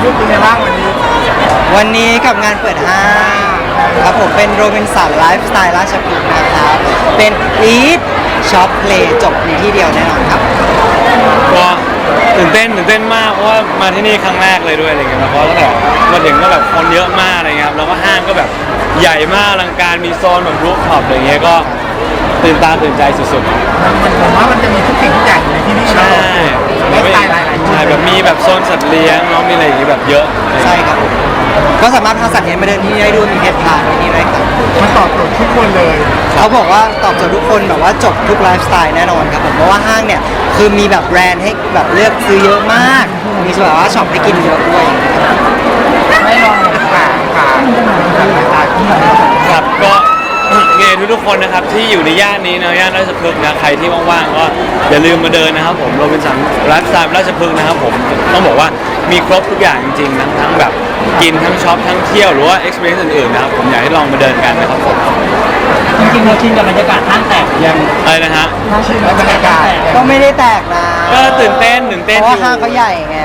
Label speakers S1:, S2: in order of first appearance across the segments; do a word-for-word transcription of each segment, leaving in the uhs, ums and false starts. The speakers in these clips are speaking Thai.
S1: ลูกเป็นไงบ้างวันนี้
S2: วันนี้กับงานเปิดห้างครับผมเป็นโรบินสันไลฟ์สไตล์ราชพฤกษ์นะครับเป็น Eat Shop Play จบในที่เดียวแน่นอนครับ
S3: ก็ตื่นเต้นตื่นเต้นมากเพราะว่ามาที่นี่ครั้งแรกเลยด้วยอะไรเงี้ยเพราะตั้งแต่มาถึงก็แบบคนเยอะมากอะไรเงี้ยครับแล้วก็ห้างก็แบบใหญ่มากอลังการมีโซนแบบรูฟท็อปอะไรเงี้ยก็ตื่นตาตื่นใจสุด
S1: ๆผมว่ามันจะมีทุกสิ่งทุกอย่างอยู่ในที่นี่
S3: ใช่
S1: ไลฟ์สไตล์หลายๆ
S3: ใช่แบบมีแบบโซนสัตว์เลี้ยงเนาะมีอะไรอย่างงี้แบบเยอะ
S2: ใช่ครับก็สามารถพาสัตว์เลี้ยงมาเดินที่นี่ได้ด้วยมีเพจพาที่นี่ด้วยครับ
S1: มันตอบโจทย์ทุกคนเลย
S2: เขาบอกว่าตอบโจทย์ทุกคนแบบว่าจบทุกไลฟ์สไตล์แน่นอนครับผมเพราะว่าห้างเนี่ยคือมีแบบแบรนด์ให้แบบเลือกซื้อเยอะมากมีแบบว่าช็อปให้กินเยอะด้วย
S1: ไม่ลองค่ะค่ะ
S3: ครับก็เงทุกทุกคนนะครับที่อยู่ในย่านนี้นะย่านราชพฤกษ์นะใครที่ว่างๆก็อย่าลืมมาเดินนะครับผมโรบินสันไลฟ์สไตล์ราชพฤกษ์นะครับผมต้องบอกว่ามีครบทุกอย่างจริงๆทั้งทั้งแบบกินทั้งช็อปทั้งเที่ยวหรือว่า experience อื่นๆนะครับผมอยากให้ลองมาเดินกันนะครับผม
S4: จริงๆเราชินกับบรรยากาศห้างแตกยัง
S3: อะไรนะฮะ
S1: ชินกับบรรยากาศ
S2: ก็ไม่ได้แตกนะ
S3: ก็ตื่นเต้นตื่นเต้น
S2: เพราะว่าห้างเขาใหญ่ไง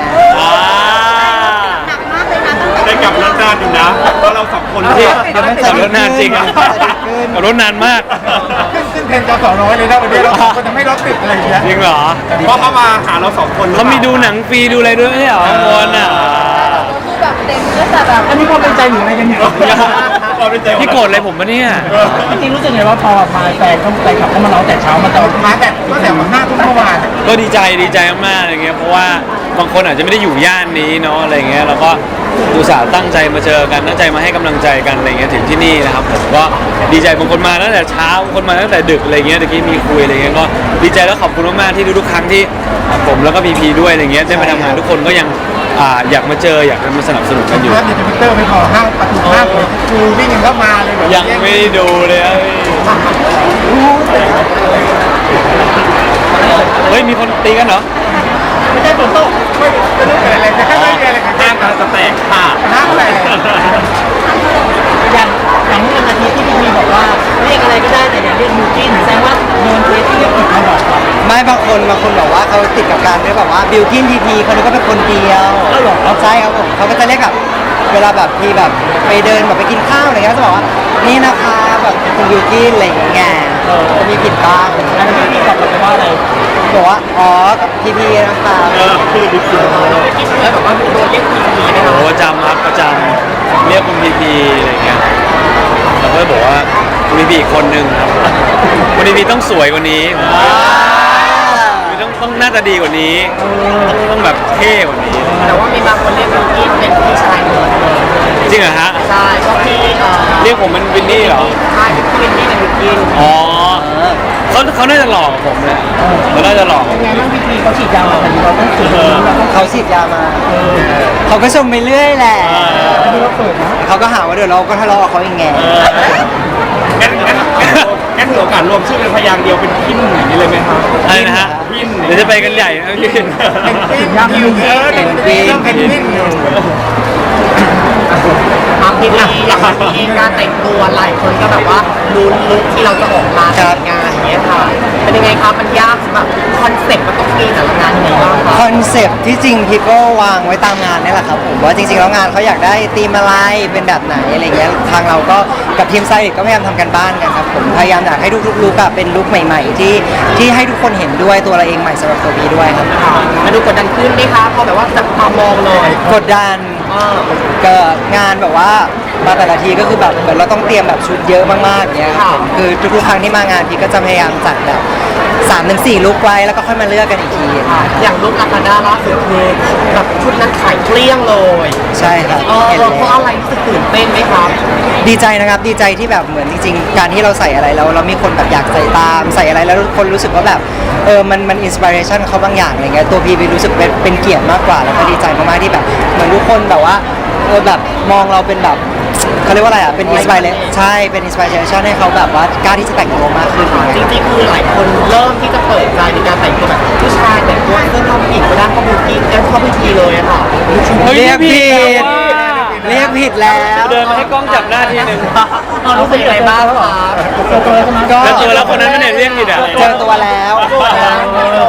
S1: ได้กลับรถนานอยู่นะเพราะเราสองคน
S3: ที่ขับรถนานจริงขับรถนานมาก
S1: ขึ้นขึ้นเทรนจอสอน้อยเลยนะวันนี้เราคนจะไม่รถติดอะไรอย่างเงี้ย
S3: จริงเหรอ
S1: เพราะเขามาหาเราสองคน
S3: เขามีดูหนังฟรีดูอะไรด้วยไม่ใช่เหรอมวนอ่ะ
S4: แบบเต็มก็แต่แบบอันนี้ความเป็นใจหรืออะไรกันเนี่ย
S3: พี่โกรธอะไรผมปะเนี่ย
S4: จริงๆรู้สึกไงว่าพอมาแฟนเขาไปขับเข้ามาร้องแต่เช้ามาตอน
S1: มาแต่ก็แต่วันหน้าทุกเมื่อวาน
S3: ก็ดีใจดีใจมากๆอะไรเงี้ยเพราะว่าบางคนอาจจะไม่ได้อยู่ย่านนี้เนาะอะไรเงี้ยแล้วก็อุตส่าห์ตั้งใจมาเจอกันตั้งใจมาให้กำลังใจกันอะไรเงี้ยถึงที่นี่นะครับผมก็ดีใจบางคนมาตั้งแต่เช้าบางคนมาตั้งแต่ดึกอะไรเงี้ยตะกี้มีคุยอะไรเงี้ยก็ดีใจแล้วขอบคุณมากๆที่ทุกๆครั้งที่ผมแล้วก็พีพีด้วยอะไรเงี้ยได้มาทำงานทุกคนก็ยังอยากมาเจออยากมาสนับสนุนกันอยู่
S1: แล้วเดี๋ยวทวิตเตอร์ไม่พอห้างประตูห้างเลยคือวิ่งเข้ามาเลย
S3: ยังไม่ได้ดูเลยเฮ้ยมีคนตีกันเหรอ
S1: ไม่ใช่ฝนตกไม่ไม่รู้เกิดอะไรจะแค่ไม่มีอะไรกัน
S3: ห้างกำลังจะแตกค่ะ
S1: ห้างแตก
S4: อย่างอย่างนี้นาทีที่พี่มีบอกว่าเรียกอะไรก็ได้แต่อย่าเรียกมูจินแสดงว่าโดนเคสที่เรียกผิดมาบอก
S2: ไม่บางคนบางคนบอกว่าเขาติดกับการเรียกแบบว่าบิวกินทีพีเขาคิดว่าเป็นคนเดียวใช่ครับผมเขาก็จะเรียกแบบเวลาแบบทีแบบไปเดินแบบไปกินข้าวอะไรเงี้ยจะบอกว่านี่นะคะแบบคุณบิวกินอะไรอย่างเงี้ยจะมีผิดบ้าง
S4: อันนี้พี่ตอบกลับไปว่าอะไร
S2: บอกว่าอ๋อกับทีพีนะคะ
S3: คือบิวกิน
S4: แล้วบอกว่าโดนเรียกทีพีนะครั
S3: บประจำครับประจำเรียกคุณพีพีอะไรเงี้ยแล้วก็บอกว่าคุณพีพีอีกคนนึงครับคุณพีพีต้องสวยกว่านี้ต้องต้องหน้าตาดีกว่านี้ต้องต้องแบบเท่กว่านี้
S4: แต่ว่ามีบางคนเรียกบิวกินเป็นพี่ชายเลย
S3: จริงเหรอฮะ
S4: ใช่ก็พี่
S3: เรียกผมมันวินนี่เหรอ
S4: ใช่พี่วินนี่เป็นบิวกิน
S3: อ๋อเขาเขาน่าจะหลอกผมเลยเขาน่าจะหลอก
S4: ยังไงบ้างพี่พีเขาฉีดยามาแต่เราต้องสูด
S2: เขาฉีดยามาเขาก็ชมไปเรื่อยแหละเขาก็หาว่าเดี๋ยวเราก็ทะเลาะกับเขาอย่างไง
S1: งั้นงั้นงั้นถือโอกาสรวมชื่อเป็นพยางค์เดียวเป็นพินอย่างนี้เลยไหมครับ
S3: อะไรนะฮะ
S1: พิน
S3: เดี๋ยวจะไปกันใหญ่นะพี่
S1: เป็นพินคิวเออเป็นพินเป็นพินอยู่
S4: บางทีอย่างนี้การแต่งตัวหลายคนก็แบบว่าลุ้นลุคที่เราจะออกมาแต่งงานอย่างเงี้ยค่ะเป็นยังไงครับมันยากสำหรับคอนเซ็ปต์มันต้องมีแต่ละงานยังไงบ้างครับ
S2: คอนเซ็ปต์ที่จริงพี่ก็วางไว้ตามงานนี่แหละครับผมว่าจริงๆแล้วงานเขาอยากได้ธีมอะไรเป็นแบบไหนอะไรเงี้ยทางเราก็กับทีมไซต์ก็พยายามทำกันบ้านกันครับผมพยายามอยากให้ทุกๆลุคเป็นลุคใหม่ๆที่ที่ให้ทุกคนเห็นด้วยตัวเราเองใหม่สำหรับตัวบีด้วยครับ
S4: มาดูกดดันขึ้นไหมคะพอแบบว่าจับตามองเลย
S2: กดดันเกิดงานแบบว่ามาแต่ละทีก็คือแบบเหมือนเราต้องเตรียมแบบชุดเยอะมากๆเนี้ยครับคือทุกๆครั้งที่มางานพี่ก็จะพยายามจัดแบบสามถึงสี่ลุคไว้แล้วก็ค่อยมาเลือกกันอีกที
S4: อย่างลุคลาคาด้าล่าสุดคือแบบชุดนั้นขายเกลี้ยงเลย
S2: ใช่ครับ
S4: เห็นเพราะอะไรรู้สึกตื่นเต้นไหมครับ
S2: ดีใจนะครับดีใจที่แบบเหมือนจริงๆการที่เราใส่อะไรแล้วเรามีคนแบบอยากใส่ตามใส่อะไรแล้วคนรู้สึกว่าแบบเออมันมันอินสปิเรชันเขาบางอย่างอะไรเงี้ยตัวพี่รู้สึกเป็นเป็นเกียรติมากกว่าแล้วก็ดีใจมากๆที่แบบเหมือนทุกคนแบบว่าเออแบบมองเราเป็นแบบเขาเรียกว่าอะไรอ่ะเป็นอินสปิเรชันใช่เป็นอินสปิเรชันให้เขาแบบว่ากล้าที่จะแต่งตัวมากขึ้น
S4: จริงๆคือหลายคนเริ่มที่จะเปิดใจในการแต่งตัวแบบผู้ชายแต่งตัวเสื้อผ้าผู้หญิงก็ได้เข้าบูกินแล้วเข้าพิธีเลยอะค่ะ
S2: เรียกผิดเรียกผิดแล้ว
S3: เดินมาให้กล้องจับหน้าทีนึง
S4: รู้สึกยังไงบ้างครับ
S3: ก็เจอแล้วคนนั้นไม่ได้เรียกผิดอ่ะ
S2: เจอตัวแล้ว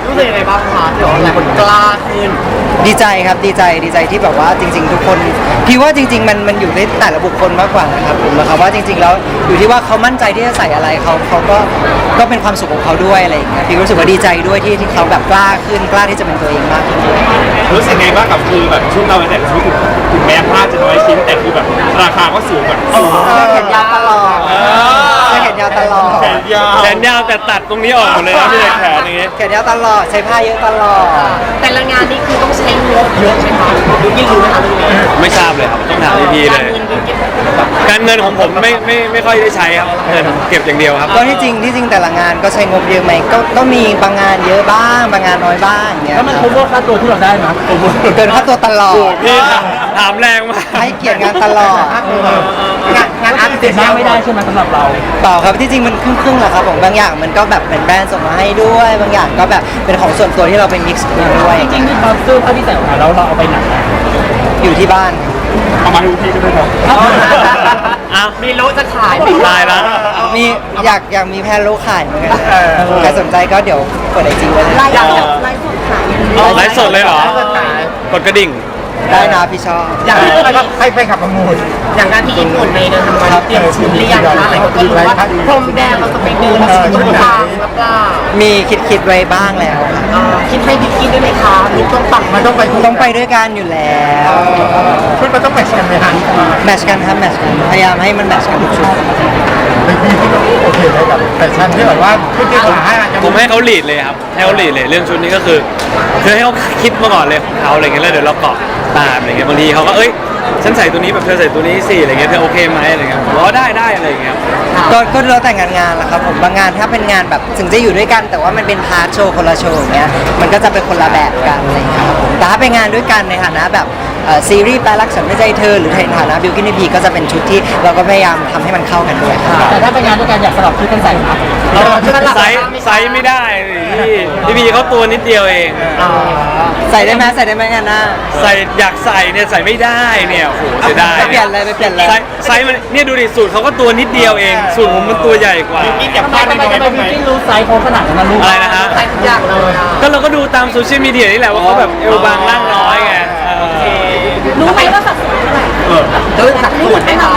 S4: รู้สึกยังไงบ้างคะที่ว่าหลายคนกล้าขึ้น
S2: ดีใจครับดีใจดีใจที่แบบว่าจริง ๆ ทุกคนพี่ว่าจริง ๆ มันมันอยู่ในแต่ละบุคคลมากกว่านะครับผมนะครับว่าจริง ๆ แล้วอยู่ที่ว่าเขามั่นใจที่จะใส่อะไรเขาเขาก็ก็เป็นความสุขของเขาด้วยอะไรอย่างเงี้ยพี่รู้สึกว่าดีใจด้วยที่ที่เขาแบบกล้าขึ้นกล้าที่จะเป็นตัวเองมากขึ้น
S1: รู้สึกไงบ้างกับคือแบบชุดเราแต่ละชุดถึงแม้ผ้าจะน้อยชิ้นแต่คือแบบราคาก็สูงกว่า
S2: เสื้อแขนยาวตลอดเสื้อแขนยาวตลอด
S1: แขนยาว
S3: แขนยาวแต่ตัดตรงนี้ออกหมดเลยนะพี่แต่แขนอย่างงี้
S2: แขนยาวตลอดใช้ผ้าเยอะตลอด
S4: แต่ละงานนี่คือต้องใช้งบเยอะไหมคะดูยิ่งรู้ไหมคะเรื่องนี้
S3: ไม่ทราบเลยครับต้องถามพี่ๆเล
S4: การ
S3: ย
S4: เงินธุรกิจ
S3: การเงินของผมไม่ไม่ไม่ค่อยได้ใช้ครับเงินเก็บอย่างเดียวครับ
S2: ก็ที่จริงที่จริงแต่ละงานก็ใช้งบเยอะไหมก็ก็มีบางงานเยอะบ้างบางงานน้อยบ้างอย่างเงี้ย
S5: แล้วมันคุ้มว่าค่าตัวที่เราได้ไหม
S2: เกินค่าตัวตลอด
S3: พี่ถามแรงมาก
S2: ให้เกียรติงานตลอด
S4: งานงานอาร์ต
S5: เสียหน้าไม่ได้ใช่ไหมสำหรับเรา
S2: เปล่าครับที่จริงมันครึ่งๆแหละครับผมบางอย่างมันก็แบบเป็นแบรนด์ส่งมาให้ด้วย บางอย่างก็แบบเป็นของส่วนตัวที่เราเป็นมิกซ์ด้วย
S5: จริงๆที่เราซื้อผ้าที่ใส่ออกมาแล้วเราเอาไปไหนอะ
S2: อยู่ที่บ้าน
S1: เอามาดูพี่ก็ได้ครับ
S3: อ้าว
S4: มีรู้จะขายไหม
S3: ตายละ
S2: มีอยากอยากมีแพนโลขายเหมือนกันใครสนใจก็เดี๋ยวเปิดไอจีไว้เลย
S4: อยาก
S3: ไลฟ์สดเลยเหรอ กดกระดิ่ง
S2: ได้นะพี่ชอบ
S4: อยาก
S5: ให้ไปขับประมูล
S4: อย่างงานที่ญี่ปุ่นในเดือนธันวาคมเตรียมชุดหรือยังคะหลายคนก็รู้ว่าพรมแดงเราจะไปเดินชุดทางหรือเปล่า
S2: มีคิดคิดไว้บ้างแล้วครับ
S4: อ่าคิดให้บิ๊กกินด้วยไหมคะลูกต้องปัง
S5: มันต้องไป
S2: ต้องไปด้วยกันอยู่แล้ว
S5: ชุดมันต้องแมทช์กันไหมฮะ
S2: แมทชกันครับแมทชกันพยายามให้มันแมทชกันทุกชุด
S5: เป็นพี่ที่โอเคเลยกับแฟชั่นที่แบบว่าชุดที่ขาให้อาจจะ
S3: ผมให้เขาลีดเลยครับ ให้เขาลีดเลยเรื่องชุดนี้ก็คือคือให้เขาคิดมาก่อนเลยของเขาอะไรเงี้ยแล้วเดี๋ยวเราเกาะตามอะไรเงี้ยบางทีเขาก็เอ้ยฉันใส่ตัวนี้แบบเธอใส่ตัวนี้สิอะไรเงี้ยเธอโอเคไหมอะไรเงี้ยผมว่าได้ได้อะไรเงี้ย
S2: ก็ก็แล้วแต่งานงานแหละครับผมบางงานถ้าเป็นงานแบบถึงจะอยู่ด้วยกัน แต่ว่ามันเป็นพาร์ทโชว์คนละโชว์อย่างเงี้ยมันก็จะเป็นคนละแบบกันอะไรอย่างเงี้ยครับผมแต่ถ้าเป็นงานด้วยกันในฐานะแบบเอ่อซีรีส์แปลรักฉันไม่ใจเธอหรือในฐานะบิวกินพีก็จะเป็นชุดที่เราก็พยายามทำให้มันเข้ากันด้วยครับ
S5: แต่ถ้าไปงานด้วยกันอยากสลับชุดกันใส่ครับ
S3: ไซส์ไซส์ไม่ได้พี่พี่พีเขาตัวนิดเดียวเอง
S2: ใส่ได้ไหมใส่ได้ไหมงานหน้า
S3: ใส่อยากใส่เนี่ยใส่ไม่ได้เนี่ยโอ้โหเสียดาย
S2: ไปเปลี่ยนเลยไปเปลี่ยนเลย
S3: ไซส์ไซส์มันเนี่ยดูดิสูตรเขาก็ตัวนิดเดียวเองสูตรผมมันตัวใหญ่กว่า
S1: พี่เก็บ
S5: ทำไม
S1: ผ้า
S5: ทำ
S1: ได้
S5: ไม
S1: น้อย
S5: ทำไม
S1: บ้างไหม
S5: พี่รู้ไซส์เขาขนาดนั้นนะลูก
S3: อะไรนะฮะ
S4: ใส่ทุกอย่างเลยอ่ะ
S3: ก็เราก็ดูตามโซเชียลมีเดียนี่แหละว่าเขาแบบเอวบางร่างน้อยไงเออ
S4: รู้ไหมว่าสัดส่วนเท่าไหร่เดินสัดส่วนไหมคะ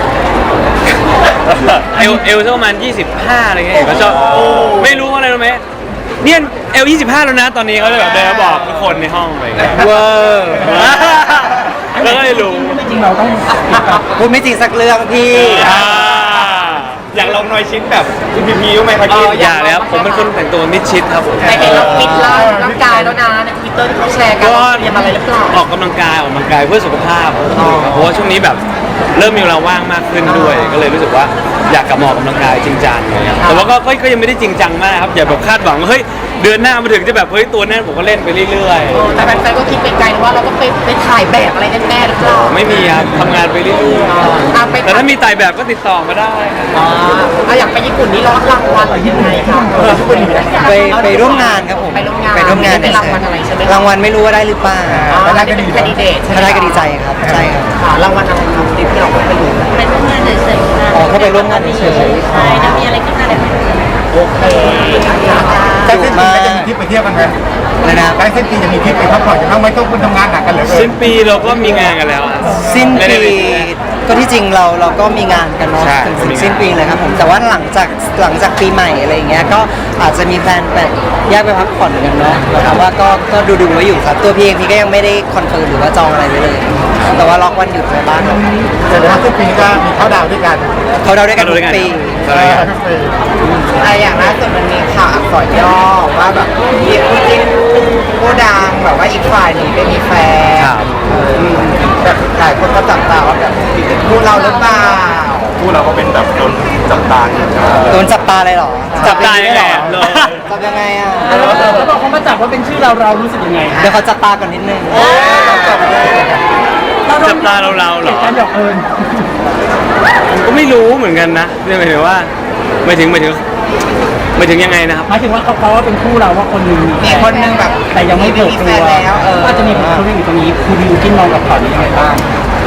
S3: เอลเอลสักประมาณยี่สิบห้าอะไรเงี้ยเขาชอบไม่รู้ว่าอะไรรู้ไหมเนี่ยเอลยี่สิบห้าแล้วนะตอนนี้เขาเลยแบบเดินมาบอกทุกคนในห้องอะไรเงี้ย
S2: เวอร์
S3: แล้วก็เลยรู้
S5: ไม่จริงเราต้อง
S2: พูดไม่จริงสักเรื่องพี่
S3: อ่า
S1: อยากลองน้อยชิ้นแบบพี่พีพีรู้ไหมครับพี่
S3: อย่าเลยครับผมเป็นคนแต่งตัวมิดชิดครับผม
S4: แต่เห็นเราฟิตร่างร่างกายแล้วนะในทวิตเตอร์ที่เขาแชร์กัน
S3: ก็
S4: ว่าเตรียมอะไรหรือเปล่า
S3: ออกกำลังกายออกกำลังกายเพื่อสุขภาพเพราะว่าช่วงนี้แบบเริ่มมีเวลาว่างมากขึ้นด้วย ก็เลยรู้สึกว่าอยากกลับมาออกกำลังกายจริงจังเลยครับแต่ว่าก็ก็ก็ยังไม่ได้จริงจังมากครับอย่าแบบคาดหวังว่าเฮ้ยเดือนหน้ามาถึงจะแบบเฮ้ยตัวแน่นผมก็เล่นไปเรื่อย
S4: แต่แฟนๆก็คิดไปไกลว่าเราต้องไปไปถ่ายแบบอะไรแน่ๆหรือเปล่า
S3: ๆไม่มีครับทำงานไปเรื่อย
S4: ตามไป
S3: ๆแต่ถ้ามีถ่ายแบบก็ติดต่อมาได้ครับ
S4: อ่าเอาอยากไปญี่ปุ่นนี่รับรางวัลหรือยังไงคะ
S2: ไปไปร่วมงานครับผม
S4: ไปร่วมงาน
S2: ไปร่วมงาน
S4: ไม่ได้รางวัลอะไรใช่ไหม
S2: รางวัลไม่รู้ว่าได้หรือเปล่า
S4: ถ้าได้ก็ดีแคนดิเดต
S2: ถ้าได้ก็ดีใจครับใช่ครับ
S4: ค่ะรางวัลอะไรครับที่เราไปดู
S6: ไปร่วมงานเฉยๆค่ะ
S2: อ๋อแค่ไปร่วมงานเฉย
S6: ใช่ถ้ามีอะไรขึ้นมาเดี๋ยว
S4: โอเคค่ะ
S5: ใกล้สิ้นปีก็จะมีทริปไปเที่ยวกันไหม
S2: ๆเลยนะ
S5: ใกล้สิ้นปีจะมีทริปไปพักผ่อนกันบ้างไหมต้องคุณทำงานหนักกันเหลือเกิ
S3: สิ้
S5: น
S3: นปีเราก็มีงานกันแล้วอะ
S2: สิ้น
S3: ไม่ได้
S2: ปี
S3: ไป
S2: ก็ที่จริงเราเราก็มีงานกันเนาะ
S3: ใช่
S2: ถึง
S3: ก็มีงาน
S2: สิ้นปีเลยครับผมแต่ว่าหลังจากหลังจากปีใหม่อะไรอย่างเงี้ยก็อาจจะมีแพลนแบบแยกไปพักผ่อนกันเนาะแต่ว่าก็ก็ดูดูๆไว้อยู่ครับตัวพี่เองพี่ก็ยังไม่ได้คอนเฟิร์มหรือว่าจองอะไรไว้เลย แต่ว่าล็อกวันหยุดไว้บ้างครับ
S5: แต่ว่าสิ้นปีก็มีเข้าดาวด้วยกัน
S2: เขาเราด้วยกันทุกปี
S3: ใช่ครับ
S5: ทุกปี
S4: ไออย่างล่าสุดมันมีข่าวอักษรย่อว่าแบบมีคู่จิ้นคู่ดังแบบว่าอีกฝ่ายหนึ่งไม่มีแฟน
S3: ครับ
S4: อืมแบบหลายคนก็จับตาว่าแบบคู่เราหรือเปล่า
S1: คู่เราก็เป็นแบบโดนจับตาอยู่นะ
S2: โดนจับตาเลยเหรอ
S3: จับตายังไง
S2: เหร
S3: อะ
S2: อจับยังไงอ่ะ
S5: แล้วพอเขามาจับว่าเป็นชื่อเราเรารู้สึกยังไง
S2: เดี๋ยวเขาจับตาก่อนนิดนึง
S3: จับตาเราเราๆเหรอ
S5: การหยอกเอิญ
S3: ผมก็ไม่รู้เหมือนกันนะเนี่ยหมายถึงว่าหมายถึงหมายถึงหมายถึงยังไงนะครับ
S5: หมายถึงว่าเขาเขาว่าเป็นคู่เราว่าคนหนึ่ง
S4: มีคนหนึงแบบ
S5: แต่ยังไม่เปิด
S4: มี
S5: ตั
S4: แฟ
S5: วน
S4: แล้วเออ
S5: ก็จะมีคนหนึงอยู่ตรงนี้คุณวิวกินมองกับข่าวนี้ยังไงบ้าง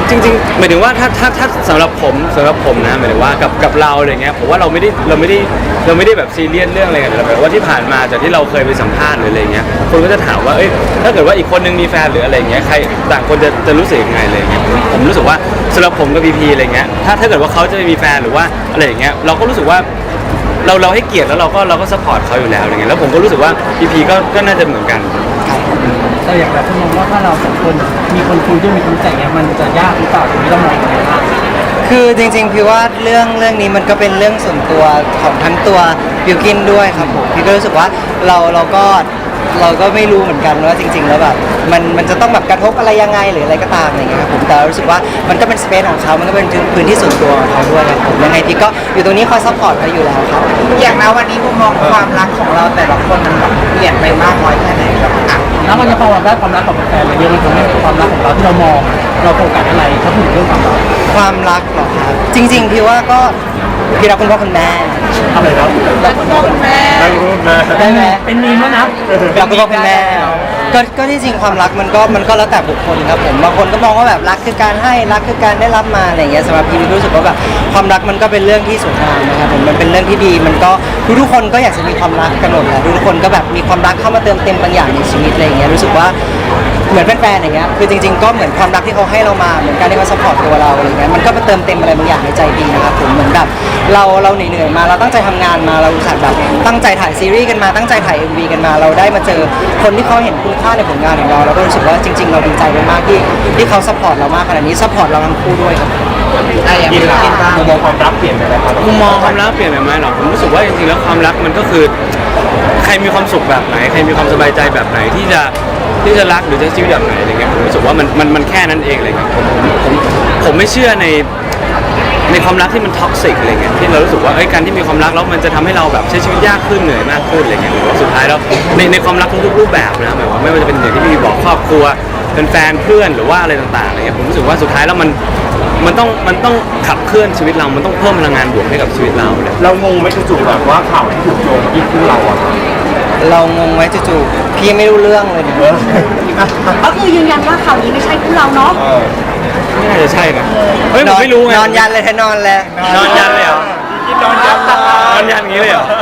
S3: จริงๆหมายถึงว่าถ้าถ้าถ้าสำหรับผมสำหรับผมนะหมายถึงว่ากับกับเราอะไรเงี้ยผมว่าเราไม่ได้เราไม่ได้เราไม่ได้แบบซีเรียสเรื่องอะไรกันแต่แบบว่าที่ผ่านมาจากที่เราเคยไปสัมภาษณ์หรืออะไรเงี้ยคนก็จะถามว่าเอ้ยถ้าเกิดว่าอีกคนนึงมีแฟนหรืออะไรเงี้ยใครต่างคนจะจะรู้สึกยังไงอะไรเงี้ยผมผมรู้สึกว่าสำหรับผมกับพีพีอะไรเงี้ยถ้าถ้าเกิดว่าเขาจะมีแฟนหรือว่าอะไรอย่างเงี้ยเราก็รู้สึกว่าเราเราให้เกียรติแล้วเราก็เราก็ซัพพอร์ตเขาอยู่แล้วอะไรเงี้ยแล้วผมก็รู้สึกว่าพีพีก็ก็น่าจะเหมือนกัน
S7: แต่อย่างแบบคุณมองว่าถ้าเราสองคนมีคนคุยด้วยมีคนใจเงี้ยมันจะยากหรือเปล่าตรงนี้เรามองยังไงบ้าง
S2: คือจริงๆพี่ว่าเรื่องเรื่องนี้มันก็เป็นเรื่องส่วนตัวของทั้งตัวบิวกินด้วยครับผมพี่ก็รู้สึกว่าเราเราก็เราก็ไม่รู้เหมือนกันว่าจริง ๆ แล้วแบบมันมันจะต้องแบบกระทบอะไรยังไงหรืออะไรก็ตามอะไรเงี้ยครับผมแต่รู้สึกว่ามันก็เป็นสเปซของเขามันก็เป็นพื้นที่ส่วนตัวของเขาด้วยครับผมยังไงพี่ก็อยู่ตรงนี้คอยซัพพอร์ตเขาอยู่แล้วครับ
S4: อย่างนะวันนี้มุมมองความรักของเราแต่ละคนมันแบบเปลี่ยนไปมากน้อยแค่ไหนครับอ่ะ
S7: แล้วมันจะพอได้ความรักกับแฟนมาเยอะมันทำให้ความรักของเราที่เรามองเราโฟกัสอะไรถ้าพูดถึงเรื่องความรัก
S2: ความรักเหรอครับจริง ๆ พี่ว่าก็พี่รักคุณพ่อคุณแม่
S7: อะไรครับ
S6: แล้วก็พ่อคุณแม่
S2: ได้ไหม
S7: เป็นมีมแล้วนะ
S2: รักคุณพ่อคุณแม่ก็ก็ที่จริงความรักมันก็มันก็แล้วแต่บุคคลครับผมบางคนก็มองว่าแบบรักคือการให้รักคือการได้รับมาอะไรอย่างเงี้ยสำหรับพี่รู้สึกว่าแบบความรักมันก็เป็นเรื่องที่สวยงามนะครับผมมันเป็นเรื่องที่ดีมันก็ทุกๆคนก็อยากจะมีความรักกันหมดแหละทุกๆคนก็แบบมีความรักเข้ามาเติมเต็มบางอย่างในชีวิตอะไรอย่างเงี้ยรู้สึกว่าเหมือนแฟนๆอย่างเงี้ยคือจริง ๆก็เหมือนความรักที่เขาให้เรามาเหมือนการที่เขาซัพพอร์ตตัวเราอะไรเงี้ยมันก็มาเติมเต็มอะไรบางอย่างในใจดีนะครับผมเหมือนแบบเราเราเหนื่อยๆมาเราตั้งใจทำงานมาเราอุตส่าห์แบบตั้งใจถ่ายซีรีส์กันมาตั้งใจถ่าย เอ็ม วี กันมาเราได้มาเจอคนที่เขาเห็นคุณค่าในผลงานของเราเราก็รู้สึกว่าจริง ๆ เราดีใจมากๆที่ที่เขาซัพพอร์ตเรามากขนาดนี้ซัพพอร์ตเราทั้งคู่ด้วยครับ
S4: อ่ะอย่าง
S1: กิน
S4: นี้
S1: ละ
S4: กินบ้าง
S1: มุมมองความรักเปลี่ยนไปไหมครับ
S3: มุมมองความรักเปลี่ยนไปไหมหรอผมรู้สึกว่าจริงๆแล้วความรักมันก็คือใครมีความสุขแบบไหนใครมีความสบายใจแบบไหนที่จะที่จะรักหรือจะใช้ชีวิตแบบไหนอะไรเงี้ยผมรู้สึกว่ามันมันมันแค่นั้นเองเลยครับผมผมผมผมไม่เชื่อในในความรักที่มันท็อกซิกอะไรเงี้ยที่เรารู้สึกว่าเอ้ยการที่มีความรักแล้วมันจะทำให้เราแบบใช้ชีวิตยากขึ้นเหนื่อยมากขึ้นอะไรเงี้ยหรือว่าสุดท้ายแล้วในในความรักทุกๆรูปแบบนะหมายว่าไม่ว่าจะเป็นอย่างที่พี่บอกครอบครัวเป็นแฟนเพื่อนหรือว่าอะไรต่างๆอะไรเงี้ยผมรู้สึกว่าสุดท้ายแล้วมันมันต้องมันต้องขับเคลื่อนชีวิตเรา มันต้องเพิ่มพลังงานบวกให้กับชีวิตเราเลย
S1: เรางงไหมจู่ๆแบบว่าข่าวที่ถูกโยงมาที่คู่เราอะ
S2: เรางงไว้จู่ๆพี่ไม่รู้เรื่องเลยเนี่ย
S6: ก็คือยืนยันว่าข่าวนี้ไม่ใช่คู่เราเนาะ
S3: ไม่น่าจะใช่นะเฮ้ยผมไม่รู้ไง
S2: นอนยันเลยแทนนอนเลย
S3: นอนยันเลยเหรอ
S1: กินนอนยัน
S3: นอนยันอย่างนี้เลยเหรอ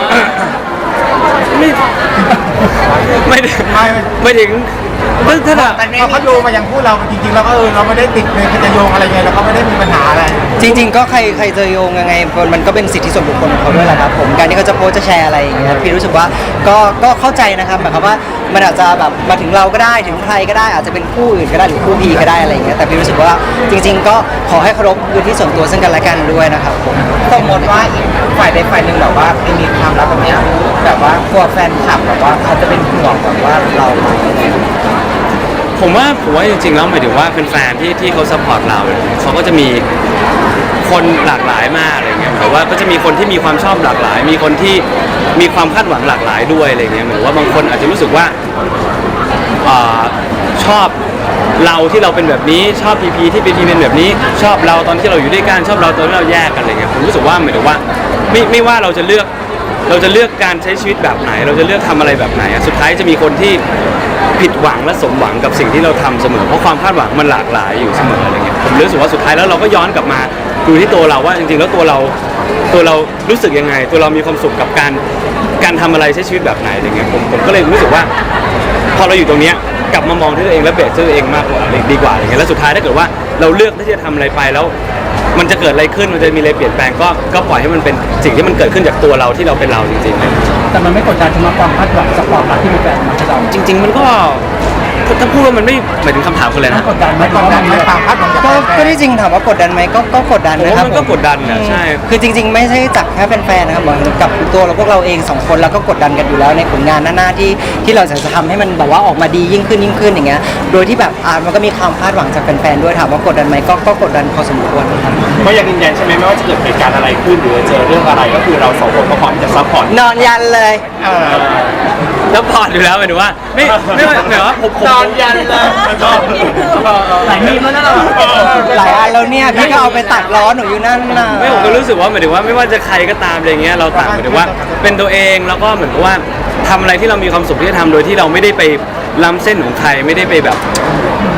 S3: ไม่ไม่ได้ไม่ถึงถ้าถ้าแบบ
S5: พอเขาโยงมายังพูดเราจริงๆแล้วก็เออเราไม่ได้ติดในจะโยงอะไรไงเราก็ไม่ได้มีปัญหาอะไร
S2: จริง ๆ ก็ใครใครจะโยงยังไงมันก็เป็นสิทธิส่วนบุคคลของเขาด้วยแหละครับผมการที่เขาจะโพสต์จะแชร์อะไรอย่างเงี้ยพี่รู้สึกว่าก็ก็เข้าใจนะครับหมายความว่ามันอาจจะแบบมาถึงเราก็ได้ถึงใครก็ได้อาจจะเป็นคู่อื่นก็ได้หรือคู่พีก็ได้อะไรอย่างเงี้ยแต่พี่รู้สึกว่าจริง ๆ ก็ขอให้เคารพพื้นที่ส่วนตัวซึ่งกันและกันด้วยนะครับผม
S4: สมมติว่าอีกฝ่ายใดฝ่ายหนึ่งแบบว่าไม่มีความรักแบบเนี้ยแบบว่ากลัวแฟนคลับแบบว่าเขาจะเป็นห่วงแบบว่าเราไหม
S3: ผมว่าผมว่าจริงๆแล้วหมายถึงว่าเป็นแฟนที่ที่เขาซัพพอร์ตเราเนี่ยเขาก็จะมีคนหลากหลายมากอะไรเงี้ยแต่ว่าก็จะมีคนที่มีความชอบหลากหลาย มีคนที่มีความคาดหวังหลากหลายด้วยอะไรเงี้ยเหมือนว่าบางคนอาจจะรู้สึกว่าอ่าชอบเราที่เราเป็นแบบนี้ชอบพีพีที่เป็นพีเป็นแบบนี้ ชอบเราตอนที่เราอยู่ด้วยกันชอบเราตอนที่เราแยกกันอะไรเงี้ยผมรู้สึกว่าหมายถึงว่าไม่ไม่ว่าเราจะเลือกเราจะเลือกการใช้ชีวิตแบบไหน เราจะเลือกทำอะไรแบบไหนอะสุดท้ายจะมีคนที่ผิดหวังและสมหวังกับสิ่งที่เราทำเสมอเพราะความคาดหวังมันหลากหลายอยู่เสมออะไรเงี้ยผมรู้สึกว่าสุดท้ายแล้วเราก็ย้อนกลับมาดูที่ตัวเราว่าจริงๆแล้วตัวเราตัวเรารู้สึกยังไง ตัวเรามีความสุขกับการการทำอะไรใช้ชีวิตแบบไหนอะไรเงี้ยผมผมก็เลยรู้สึกว่าพอเราอยู่ตรงเนี้ยกลับมามองที่ตัวเองและเบรกที่ตัวเองมากกว่าดีกว่าอะไรเงี้ยแล้วสุดท้ายถ้าเกิดว่าเราเลือกที่จะทำอะไรไปแล้วมันจะเกิดอะไรขึ้นมันจะมีอะไรเปลี่ยนแปลงก็ก็ปล่อยให้มันเป็นสิ่งที่มันเกิดขึ้นจากตัวเราที่เราเป็นเราจริงๆเลย
S7: แต่มันไม่กดดันสำหรับความคาดหวังจากความรักที่มีแฟนมาให้เรา
S3: จริง ๆ มันก็ถ้าถ้าพูดว่ามันไม่หมายถึงคำถามคนเลย
S7: ไม่
S3: นะ
S7: กดดันไหม
S5: ไม่กดดันไหมความคาดหวังจาก
S2: ก็
S5: แฟน
S2: ก็ที่จริงถามว่ากดดันไหมก็ก็กดดัน
S3: ผม
S2: นะค
S3: ว่า
S2: รับ
S3: มันก็
S2: ผม
S3: กดดันนะใช่
S2: คือจริง ๆ ไม่ใช่จากแค่แฟนๆนะครับเหมือนกับตัวเราพวกเราเองสองคนเราก็กดดันกันอยู่แล้วในผลงานหน้าๆที่ที่เราจะทำให้มันแบบว่าออกมาดียิ่งขึ้นยิ่งขึ้นอย่างเงี้ยโดยที่แบบอ่ามันก็มีความคาดหวังจากแฟนๆด้วยถามว่ากดดันไหมก็ก็กดดันพอสมควรครับ
S1: ก็ยังยืนยันใช่ไหมไม่ว่าจะเกิดเหตุการณ์อะไรขึ้นหรือเจอเรื่องอะไรก็คือเราสองคนก็พร้อมจะซัพพอร์ต
S2: นอนยันเลย
S5: เออ
S3: แล้วพอร์ตอยู่แล้วหมายถึงว่าไม่ไม่ว่าหมายว่าผมผม
S1: นอนยันเลย
S7: หลายมีมแล้วนะเรา
S2: หลายอันแล้วเนี่ยพี่ก็เอาไปตัดล้อหนูอยู่นั่นน่ะ
S3: ไม่ผมก็รู้สึกว่าหมายถึงว่าไม่ว่าจะใครก็ตามอะไรเงี้ยเราต่างหมายถึงว่าเป็นตัวเองแล้วก็เหมือนกับว่าทำอะไรที่เรามีความสุขที่จะทำโดยที่เราไม่ได้ไปล้ำเส้นของใครไม่ได้ไปแบบ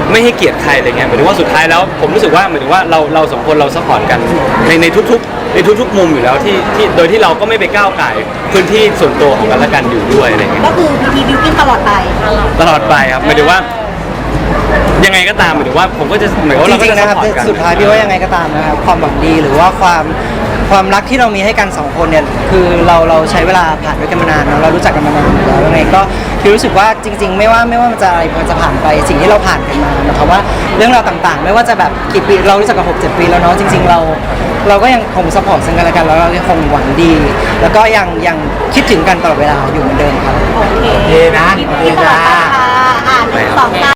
S3: ไม่ให้เกียรติใครอะไรเงี้ยหมายถึงว่าสุดท้ายแล้วผมรู้สึกว่าหมายถึงว่าเราเราสองคนเราซัพพอร์ตกันในในทุกๆในทุกๆมุมอยู่แล้วที่ที่โดยที่เราก็ไม่ไปก้าวไก่ายพื้นที่ส่วนตัวของกันและกันอยู่ด้วยอะไรเงี้ย
S6: ก็คือพีพีบิวกิ้นตลอดไป
S3: ตลอดไปครับหมายถึงว่า ยังไงก็ตามหมายถึงว่าผมก็จะเหมือนว่า
S2: จ
S3: เราก็
S2: ริง
S3: จะ
S2: ๆนะครับ
S3: ซัพพอร์ตกัน
S2: สุดท้ายพี่ว่ายังไงก็ตามนะครับความหวังดีหรือว่าความความรักที่เรามีให้กันสองคนเนี่ยคือเราเราใช้เวลาผ่านด้วยกันมานานเนอะเรารู้จักกันมานานอยู่แล้วยังไงก็พี่รู้สึกว่าจริง ๆ ไม่ว่าไม่ว่ามันจะอะไรมันจะผ่านไปสิ่งที่เราผ่านกันมาหมายความว่าเรื่องราวต่างๆ ไม่ว่าจะแบบกี่ปีเรารู้จักกันหกเจ็ดปีแล้วเนาะจริง ๆ เรา เราก็ยังคงซัพพอร์ตซึ่งกันและกันแล้วเรายังคงหวังดี แล้วก็ยังยังคิดถึงกันตลอดเวลาอยู่เหมือนเดิมครับ
S6: โอเค
S5: โอเคนะโอเค
S6: ตลอ
S5: จ้า
S6: ดไปค่ะอ่านหนึ่งสองสาม